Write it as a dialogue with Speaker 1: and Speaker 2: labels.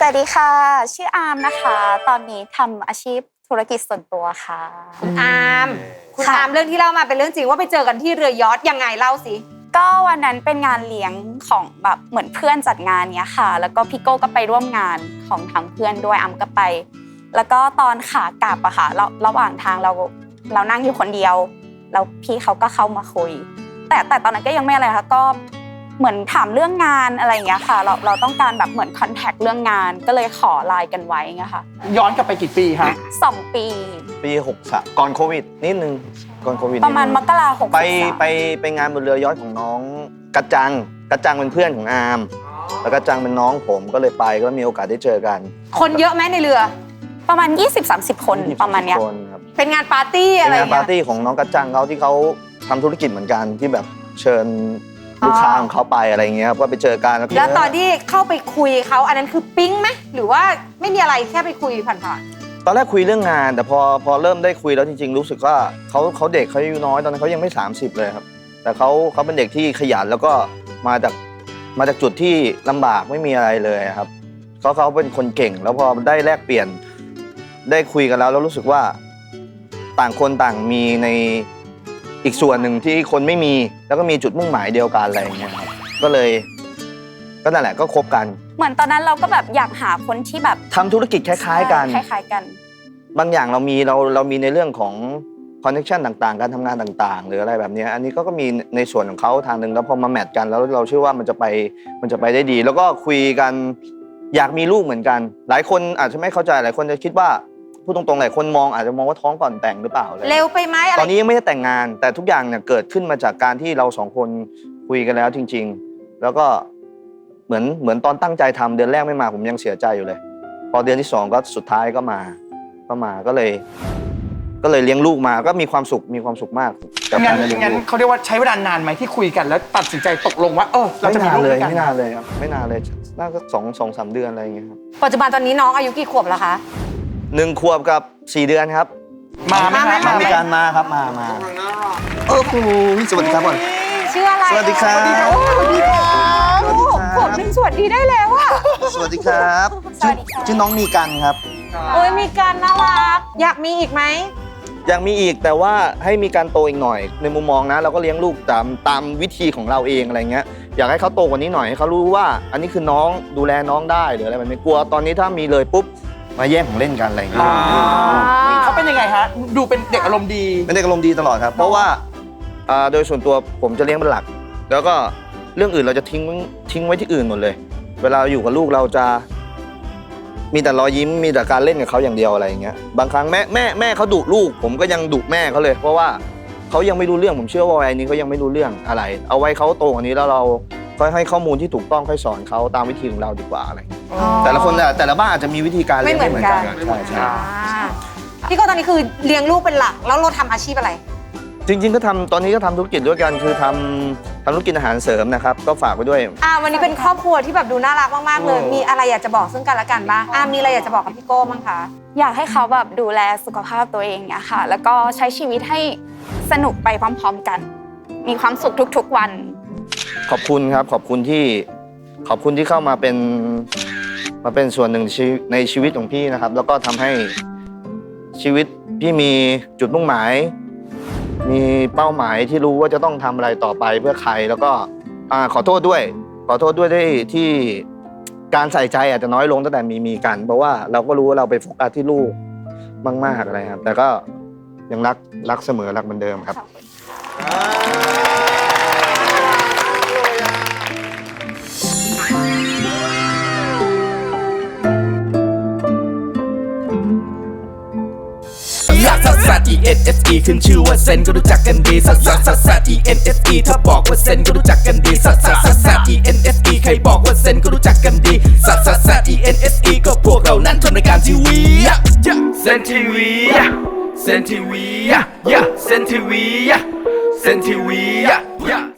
Speaker 1: วัสดีค่ะชื่ออาร์มนะคะตอนนี้ทำอาชีพธุรกิจส่วนตัวค่ะ
Speaker 2: คุณอาร์มเรื่องที่เล่ามาเป็นเรื่องจริงว่าไปเจอกันที่เรือยอชต์ยังไงเล่าสิ
Speaker 1: ก็วันนั้นเป็นงานเลี้ยงของแบบเหมือนเพื่อนจัดงานเนี้ยค่ะแล้วก็พี่โก้ก็ไปร่วมงานของทางเพื่อนด้วยอาร์มก็ไปแล้วก็ตอนขากลับอะค่ะระหว่างทางเรานั่งอยู่คนเดียวแล้วพี่เขาก็เข้ามาคุยแต่ตอนนั้นก็ยังไม่อะไรค่ะก็เหมือนถามเรื่องงานอะไรอย่างเงี้ยค่ะเราต้องการแบบเหมือนคอนแทคเรื่องงานก็เลยขอไลน์กันไว้เงี้ยค่ะ
Speaker 3: ย้อนกลับไปกี่ปีคะ
Speaker 1: 2 ปี
Speaker 4: 63ก่อนโควิดนิดนึงก่อนโควิด
Speaker 1: ประมาณมกราคม
Speaker 4: ไปงานบนเรือยอชต์ของน้องกัจจังเป็นเพื่อนของอาร์มแล้วกัจจังเป็นน้องผมก็เลยไปก็มีโอกาสได้เจอกัน
Speaker 2: คนเยอะไหมในเรือ
Speaker 1: ประมาณ 20-30 คนประมาณเนี้ย
Speaker 2: เป็นงานปาร์ตี้อะไร
Speaker 4: งานปาร์ตี้ของน้องกัจจังเขาที่เขาทำธุรกิจเหมือนกันที่แบบเชิญลูกค้าของเขาไปอะไรเงี้ยก็ไปเจอกัน
Speaker 2: แล้วตอนที่เข้าไปคุยเขาอันนั้นคือปิ๊งไหมหรือว่าไม่มีอะไรแค่ไปคุยผ่าน
Speaker 4: ๆตอนแรกคุยเรื่องงานแต่พอเริ่มได้คุยแล้วจริงๆรู้สึกว่าเขาเด็กเขาอายุน้อยตอนนั้นเขายังไม่30เลยครับแต่เขาเป็นเด็กที่ขยันแล้วก็มาจากจุดที่ลำบากไม่มีอะไรเลยครับเขาเป็นคนเก่งแล้วพอได้แลกเปลี่ยนได้คุยกันแล้วรู้สึกว่าต่างคนต่างมีในอีกส่วนหนึ่งที่คนไม่มีแล้วก็มีจุดมุ่งหมายเดียวกันอะไรอย่างเงี้ยครับก็นั่นแหละก็คบกัน
Speaker 1: เหมือนตอนนั้นเราก็แบบอยากหาคนที่แบบ
Speaker 4: ทำธุรกิจคล้ายๆกันบางอย่างเรามีในเรื่องของคอนเนคชั่นต่างๆการทำงานต่างๆหรืออะไรแบบนี้อันนี้ก็มีในส่วนของเขาทางหนึ่งแล้วพอมาแมทกันแล้วเราเชื่อว่ามันจะไปได้ดีแล้วก็คุยกันอยากมีลูกเหมือนกันหลายคนอาจจะไม่เข้าใจหลายคนจะคิดว่าพูดตรงๆหลายคนอาจจะมองว่าท้องก่อนแต่งหรือเปล่า
Speaker 2: เร็วไปไหม
Speaker 4: ตอนนี้ยังไม่ได้แต่งงานแต่ทุกอย่างเนี่ยเกิดขึ้นมาจากการที่เรา2คนคุยกันแล้วจริงๆแล้วก็เหมือนตอนตั้งใจทำเดือนแรกไม่มาผมยังเสียใจอยู่เลยพอเดือนที่2ก็สุดท้ายก็มาก็เลยเลี้ยงลูกมาก็มีความสุขมาก
Speaker 3: งั้นเขาเรียกว่าใช้เวลานานไหมที่คุยกันแล้วตัดสินใจตกลงว่าเราจะมีลูกด้วยกัน
Speaker 4: ไม่นานเลยครับไม่นานเลยน่าจะ2-3 เดือนอะไรอย่างเงี้ยครับ
Speaker 2: ปัจจุบันตอนนี้น้องอายุกี่ขวบแล้วคะ
Speaker 4: 1 ขวบกับ4 เดือนครับ
Speaker 3: มา
Speaker 4: มีการมาครับมาสวัสดีครับก่อน
Speaker 2: ชื่ออะไร
Speaker 4: สวัสดีครับ
Speaker 2: ผมเป็นสวัสดีได้แล้วอะ
Speaker 4: สวัสดีครับชื่อน้องมีกันครับ
Speaker 2: มีกันน่ารักอยากมีอีกไหม
Speaker 4: อยากมีอีกแต่ว่าให้มีการโตอีกหน่อยในมุมมองนะเราก็เลี้ยงลูกตามวิธีของเราเองอะไรเงี้ยอยากให้เขาโตกว่านี้หน่อยให้เขารู้ว่าอันนี้คือน้องดูแลน้องได้หรืออะไรแบบนี้กลัวตอนนี้ถ้ามีเลยปุ๊บมาแย่งของเล่นกันอะไรอย่างเงี้ย
Speaker 3: เขาเป็นยังไงฮะดูเป็นเด็กอารมณ์ดี
Speaker 4: เป็นเด็กอารมณ์ดีตลอดครับเพราะว่าโดยส่วนตัวผมจะเลี้ยงเป็นหลักแล้วก็เรื่องอื่นเราจะทิ้งไว้ที่อื่นหมดเลยเวลาอยู่กับลูกเราจะมีแต่รอยยิ้มมีแต่การเล่นกับเขาอย่างเดียวอะไรอย่างเงี้ยบางครั้งแม่เขาดุลูกผมก็ยังดุแม่เขาเลยเพราะว่าเขายังไม่รู้เรื่องผมเชื่อว่าวัยนี้เขายังไม่รู้เรื่องอะไรเอาไว้เขาโตกว่านี้แล้วเราค่อยให้ข้อมูลที่ถูกต้องค่อยสอนเขาตามวิธีของเราดีกว่าอะไรแต่ละคนแต่ละบ้านอาจจะมีวิธีการเลี้ยงไม่เหมือนกันใช่
Speaker 2: พี่ก็ตอนนี้คือเลี้ยงลูกเป็นหลักแล้วเราทำอาชีพอะไร
Speaker 4: จริงๆก็ตอนนี้ก็ทำธุรกิจด้วยกันคือทำธุรกิจอาหารเสริมนะครับก็ฝากไว้ด้วย
Speaker 2: วันนี้เป็นครอบครัวที่แบบดูน่ารักมากๆเลยมีอะไรอยากจะบอกซึ่งกันและกันบ้างมีอะไรอยากจะบอกกับพี่โก้บ้างคะ
Speaker 1: อยากให้เขาแบบดูแลสุขภาพตัวเองเนี่ยค่ะแล้วก็ใช้ชีวิตให้สนุกไปพร้อมๆกันมีความสุขทุกๆวัน
Speaker 4: ขอบคุณครับขอบคุณที่เข้ามาเป็นส่วนหนึ่งในชีวิตของพี่นะครับแล้วก็ทำให้ชีวิตพี่มีจุดมุ่งหมายมีเป้าหมายที่รู้ว่าจะต้องทำอะไรต่อไปเพื่อใครแล้วก็ขอโทษด้วยที่การใส่ใจอาจจะน้อยลงตั้งแต่มีกันเพราะว่าเราก็รู้ว่าเราไปโฟกัสที่ลูกมากๆอะไรครับแต่ก็ยังรักเสมอรักเหมือนเดิมครับ
Speaker 5: ซัด E-N-S-E ขึ้นชื่อว่าเซนก็รู้จักกันดีซัด E-N-S-E ถ้าบอกว่าเซนก็รู้จักกันดีซัด E-N-S-E ใครบอกว่าเซนก็รู้จักกันดีซัด E-N-S-E ก็พวกเรานั้นทำรายการทีวีเซนทีวีเซนทีวีเซนทีวี